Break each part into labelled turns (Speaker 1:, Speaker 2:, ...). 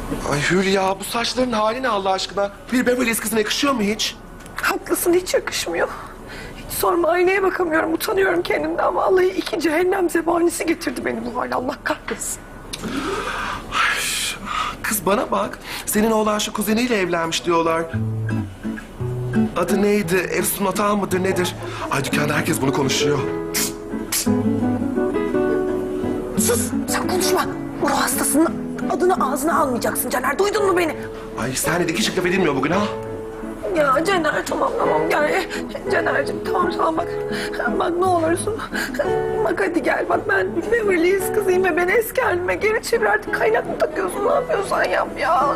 Speaker 1: Ay Hülya, bu saçların hali ne Allah aşkına? Bir Beverly Hills kızına yakışıyor mu hiç?
Speaker 2: Haklısın, hiç yakışmıyor. Hiç sorma, aynaya bakamıyorum, utanıyorum kendimden. Vallahi iki cehennem zebanisi getirdi beni bu hale, Allah kahretsin.
Speaker 1: Kız bana bak, senin oğlan şu kuzeniyle evlenmiş diyorlar. Adı neydi? Efsun Atal mıdır nedir? Ay dükkanda herkes bunu konuşuyor.
Speaker 2: Sus, sen konuşma. Bu ruh hastasının adını ağzına almayacaksın Caner, duydun mu beni?
Speaker 1: Ay sahnede iki şık laf edilmiyor bugün ha?
Speaker 2: Ya Caner, tamam gel. Caner'cim tamam bak. Bak ne olursun. Bak hadi gel, bak ben Beverly Hills kızıyım ve beni eski halime geri çevir artık. Kaynak mı takıyorsun, ne yapıyorsan yap ya.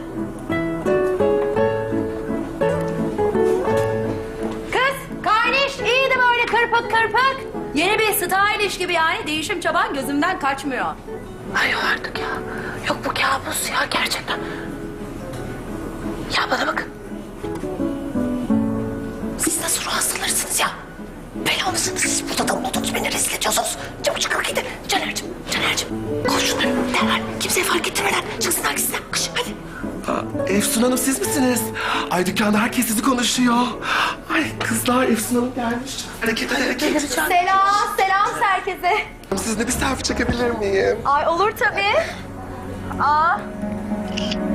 Speaker 3: Kız, kardeş iyiydi böyle kırpık kırpık. Yeni bir stylish gibi yani değişim çaban gözümden kaçmıyor.
Speaker 2: Ay yok artık ya. Yok bu kabus ya gerçekten. Ya bana bakın. Siz nasıl ruh hastalarısınız ya? Bela mısınız siz? Burada damladınız, beni rezil ediyorsunuz. Çabuk çıkın gidin. Caner'cim. Koş şunları derhal. Kimseye fark ettirmeden çıksınlar gitsinler. Kış hadi.
Speaker 1: Efsun Hanım siz misiniz? Ay dükkanda herkes sizi konuşuyor. Ay kızlar Efsun Hanım gelmiş. Hareket.
Speaker 3: Selam herkese.
Speaker 1: Sizinle bir selfie çekebilir miyim?
Speaker 3: Ay olur tabii. Aa.